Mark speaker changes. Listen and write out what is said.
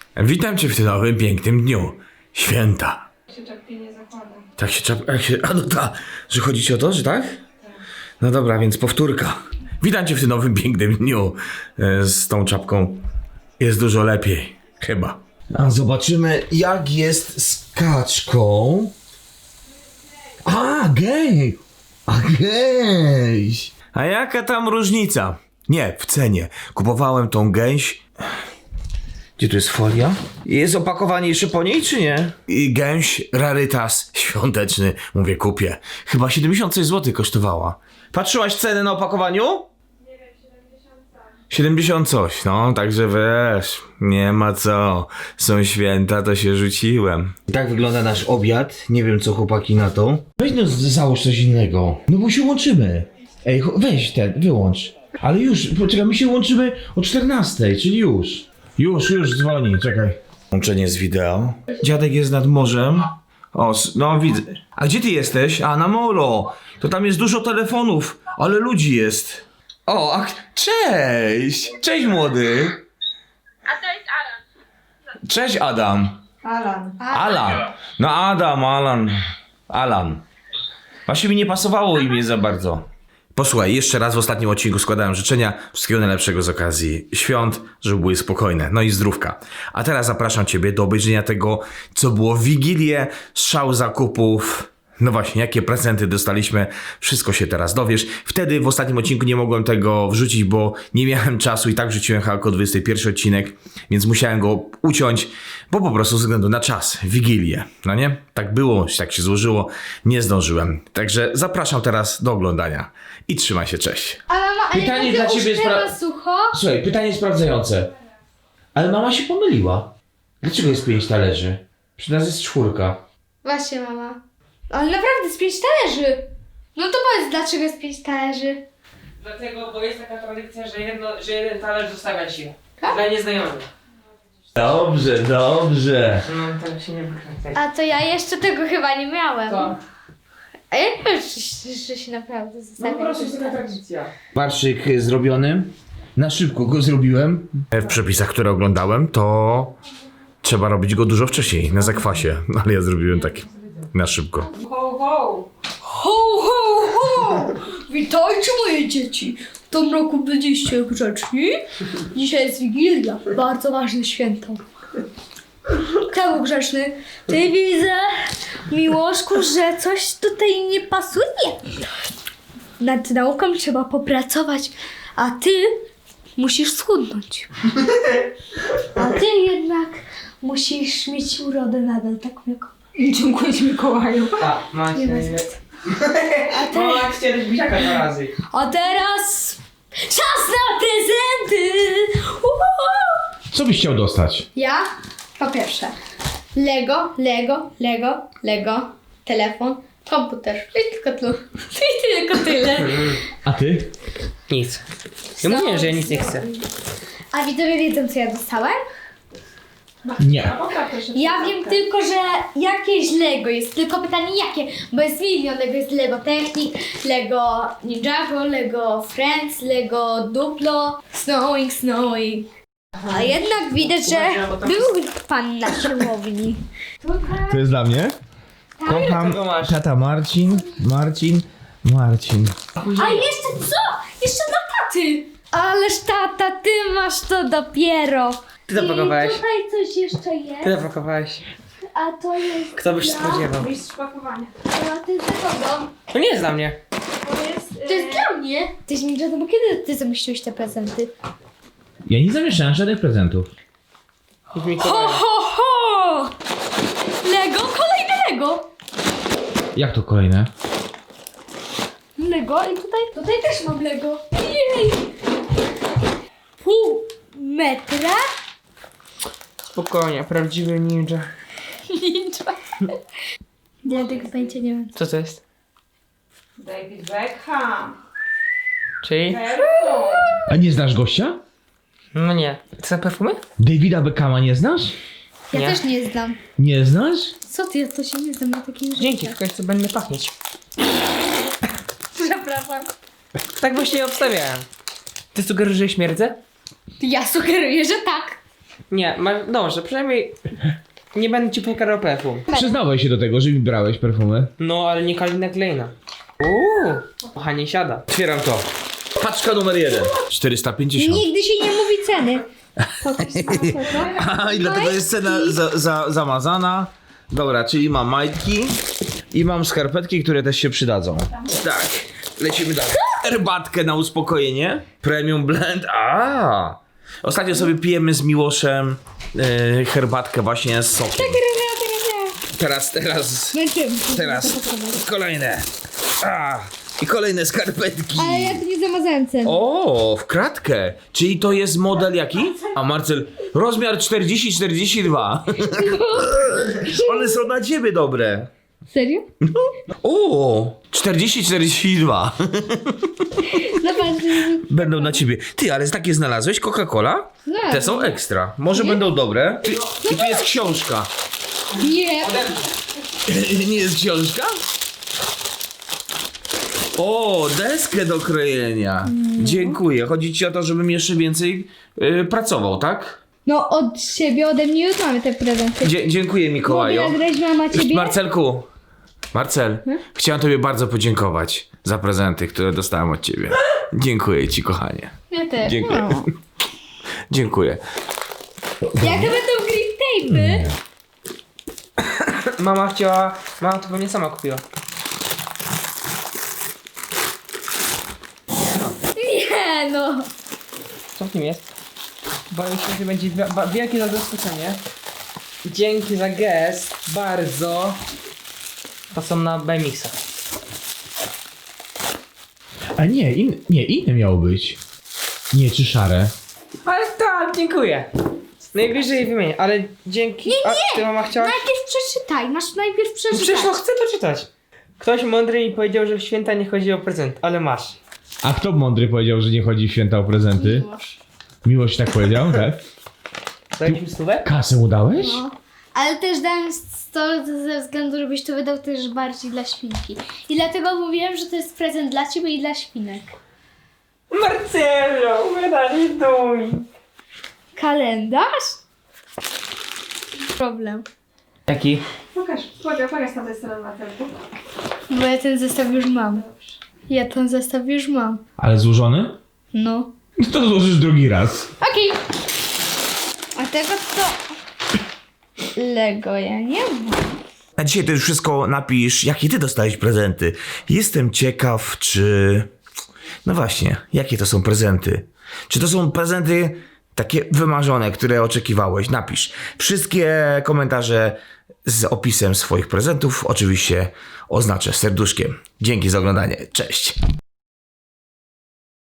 Speaker 1: Witam cię w tym nowym, pięknym dniu. Święta.
Speaker 2: Się czapki nie zakłada.
Speaker 1: Tak się czapka... A no ta, że chodzi ci o to, że tak? No dobra, więc powtórka. Witam cię w tym nowym, pięknym dniu. Z tą czapką jest dużo lepiej. Chyba.
Speaker 3: A zobaczymy, jak jest z kaczką. A, gej! A, gejś!
Speaker 1: A jaka tam różnica? Nie, w cenie. Kupowałem tą gęś... Gdzie tu jest folia? Jest opakowanie jeszcze po niej, czy nie? I gęś, rarytas świąteczny. Mówię, kupię. Chyba 70 coś złotych kosztowała. Patrzyłaś cenę na opakowaniu?
Speaker 2: Nie wiem, 70 coś.
Speaker 1: 70 coś, no, także wiesz, nie ma co. Są święta, to się rzuciłem.
Speaker 3: Tak wygląda nasz obiad. Nie wiem, co chłopaki na to. Weź no, załóż coś innego. No bo się łączymy. Ej, weź ten, wyłącz. Ale już, poczekaj, my się łączymy o 14, czyli już. Już dzwoni, czekaj.
Speaker 1: Łączenie z wideo. Dziadek jest nad morzem. O, no widzę. A gdzie ty jesteś? A, na molo. To tam jest dużo telefonów, ale ludzi jest. O, a cześć! Cześć młody!
Speaker 2: A to jest Alan.
Speaker 1: Cześć Adam. Alan. No Adam, Alan. Właśnie mi nie pasowało imię za bardzo. Posłuchaj, jeszcze raz w ostatnim odcinku składałem życzenia wszystkiego najlepszego z okazji świąt, żeby były spokojne, no i zdrówka. A teraz zapraszam ciebie do obejrzenia tego, co było w Wigilię, szał zakupów. No właśnie, jakie prezenty dostaliśmy, wszystko się teraz dowiesz. Wtedy w ostatnim odcinku nie mogłem tego wrzucić, bo nie miałem czasu i tak wrzuciłem jako 21 odcinek, więc musiałem go uciąć, bo po prostu ze względu na czas, Wigilię, no nie? Tak było, tak się złożyło, nie zdążyłem. Także zapraszam teraz do oglądania i trzymaj się, cześć.
Speaker 4: Ale mama,
Speaker 3: Pytanie dla ciebie jest
Speaker 4: sucho?
Speaker 3: Słuchaj, pytanie sprawdzające. Ale mama się pomyliła. Dlaczego jest 5 talerzy? Przy nas jest 4.
Speaker 4: Właśnie, mama. Ale naprawdę z 5 talerzy. No to powiedz, dlaczego jest 5 talerzy?
Speaker 5: Dlatego, bo jest taka tradycja, że jeden talerz zostawia się.
Speaker 4: Tak?
Speaker 5: Dla nieznajomych.
Speaker 3: Dobrze.
Speaker 5: No, tak się nie wykręcaj.
Speaker 4: A to ja jeszcze tego chyba nie miałem.
Speaker 5: Co?
Speaker 4: A ja nie wiem, że się naprawdę
Speaker 5: No
Speaker 4: zostawia.
Speaker 5: po prostu jest taka tradycja.
Speaker 3: Parszyk zrobiony. Na szybko go zrobiłem.
Speaker 1: W przepisach, które oglądałem, to trzeba robić go dużo wcześniej, na zakwasie, ale ja zrobiłem tak na szybko.
Speaker 5: Ho, ho!
Speaker 6: Ho, ho, ho! Witajcie moje dzieci! W tym roku byliście grzeczni. Dzisiaj jest Wigilia, bardzo ważne święto. Kto był grzeczny? Ty widzę, Miłoszku, że coś tutaj nie pasuje. Nad nauką trzeba popracować, a ty musisz schudnąć. A ty jednak musisz mieć urodę nadal taką jaką.
Speaker 5: Dziękuję ci, Mikołaju. Tak,
Speaker 6: Nie ma
Speaker 5: macie.
Speaker 6: za co.
Speaker 5: Mama chce też buziaka 2 razy.
Speaker 6: A teraz czas na prezenty!
Speaker 3: Co byś chciał dostać?
Speaker 4: Ja? Po pierwsze, Lego, telefon, komputer. I tylko tyle.
Speaker 3: A ty?
Speaker 5: Nic. Ja mówiłem, że ja nic nie chcę.
Speaker 4: A widzowie wiedzą, co ja dostałem?
Speaker 3: Nie.
Speaker 4: Ja wiem tylko, że jakieś Lego jest, tylko pytanie jakie, bo jest milion Lego, jest Lego Technic, Lego Ninjago, Lego Friends, Lego Duplo, Snowing. A jednak widać, że był pan na siłowni.
Speaker 3: To jest dla mnie? Kocham
Speaker 5: Tego masz.
Speaker 3: tata Marcin.
Speaker 4: A jeszcze co? Jeszcze dla taty! Ależ tata, ty masz to dopiero.
Speaker 5: Ty zapakowałeś.
Speaker 4: I tutaj coś jeszcze jest,
Speaker 5: Ty zapakowałeś.
Speaker 4: a to jest
Speaker 5: Kto by się spodziewał?
Speaker 2: Mistrz pakowania.
Speaker 4: a ty za kogo?
Speaker 5: To nie jest dla mnie.
Speaker 2: To jest...
Speaker 4: To jest dla mnie. Tyś mi bo kiedy ty zamieściłeś te prezenty?
Speaker 3: Ja nie zamieszałem żadnych prezentów.
Speaker 5: Od Mikołaja.
Speaker 6: Ho! Lego, kolejne Lego!
Speaker 3: Jak to kolejne?
Speaker 6: Lego i tutaj też mam Lego. Jej! Pół metra?
Speaker 5: Spokojnie, prawdziwy ninja.
Speaker 6: Ninja.
Speaker 4: Ja tego pojęcia nie mam.
Speaker 5: Co to jest?
Speaker 2: David Beckham.
Speaker 5: Czyli?
Speaker 2: Perfum.
Speaker 3: A nie znasz gościa?
Speaker 5: No nie. To są perfumy?
Speaker 3: Davida Beckhama nie znasz?
Speaker 4: Ja
Speaker 5: Nie.
Speaker 4: też nie znam.
Speaker 3: Nie znasz?
Speaker 4: Co ty, ja to się nie znam na takim rzeczy.
Speaker 5: Dzięki, w końcu będę pachnieć.
Speaker 4: Przepraszam.
Speaker 5: Tak właśnie obstawiałem. Ty sugerujesz, że śmierdzę?
Speaker 4: Ja sugeruję, że tak.
Speaker 5: Nie, dobrze, przynajmniej nie będę ci pokarał perfum.
Speaker 3: Przyznałeś się do tego, że mi brałeś perfumy.
Speaker 5: No, ale nie Kalina Kleina. Kochanie, siada.
Speaker 1: Otwieram to. Paczka numer 1. 450.
Speaker 6: Nigdy się nie mówi ceny.
Speaker 1: A, i dlatego jest cena zamazana. Dobra, czyli mam majtki i mam skarpetki, które też się przydadzą. Tak, lecimy dalej. Herbatkę na uspokojenie. Premium blend. Ostatnio sobie pijemy z Miłoszem herbatkę właśnie z sokiem. Teraz kolejne. I kolejne skarpetki.
Speaker 6: Ale ja tu nie zamazałem ceny.
Speaker 1: O, w kratkę. Czyli to jest model jaki? A Marcel, rozmiar 40-42. One są na ciebie dobre.
Speaker 6: Serio?
Speaker 1: O, 40-42.
Speaker 6: Zobacz.
Speaker 1: Będą na ciebie. Ty, ale takie znalazłeś? Coca-Cola?
Speaker 6: Tak.
Speaker 1: Te są ekstra. Może będą dobre. Ty, i tu jest książka.
Speaker 6: Nie.
Speaker 1: Nie jest książka? O, deskę do krojenia. Dziękuję. Chodzi ci o to, żebym jeszcze więcej pracował, tak?
Speaker 6: No od siebie, ode mnie już mamy te prezenty.
Speaker 1: Dziękuję, Mikołaju.
Speaker 6: Mogę nagrać mama ciebie?
Speaker 1: Marcelku, Marcel, chciałem tobie bardzo podziękować za prezenty, które dostałem od ciebie. Dziękuję ci, kochanie.
Speaker 6: Ja też.
Speaker 1: Dziękuję.
Speaker 6: No.
Speaker 1: Dziękuję.
Speaker 6: Jak to będą green tape'y?
Speaker 5: Mama to pewnie sama kupiła.
Speaker 6: Nie no.
Speaker 5: Co w tym jest? Boję się, że będzie wielkie zaskoczenie. Dzięki za gest, bardzo. To są na BMX-a.
Speaker 3: A nie, inne miało być. Nie, czy szare.
Speaker 5: Ale tak, dziękuję. Najwyżej wymienię, ale dzięki... A ty mama chciałaś?
Speaker 6: Najpierw przeczytaj, masz najpierw
Speaker 5: No
Speaker 6: przeczytać.
Speaker 5: przecież no chcę to czytać. Ktoś mądry mi powiedział, że w święta nie chodzi o prezent, ale masz.
Speaker 3: A kto mądry powiedział, że nie chodzi w święta o prezenty? Miłość tak powiedział, tak?
Speaker 5: Dałeś mi stówę?
Speaker 3: Kasę mu dałeś?
Speaker 6: No. Ale też dałem to ze względu, żebyś to wydał też bardziej dla świnki. I dlatego mówiłem, że to jest prezent dla ciebie i dla świnek.
Speaker 5: Marcelo, wydali duj.
Speaker 6: Kalendarz? Problem.
Speaker 5: Jaki?
Speaker 2: Pokaż tam tę stronę Marcelku.
Speaker 6: Bo ja ten zestaw już mam.
Speaker 3: Ale złożony?
Speaker 6: No.
Speaker 3: To złożysz drugi raz.
Speaker 6: Okej. A tego to... Lego ja nie mam.
Speaker 1: Na dzisiaj to już wszystko napisz, jakie ty dostałeś prezenty. Jestem ciekaw, czy... No właśnie, jakie to są prezenty? Czy to są prezenty takie wymarzone, które oczekiwałeś? Napisz. Wszystkie komentarze z opisem swoich prezentów oczywiście oznaczę serduszkiem. Dzięki za oglądanie. Cześć.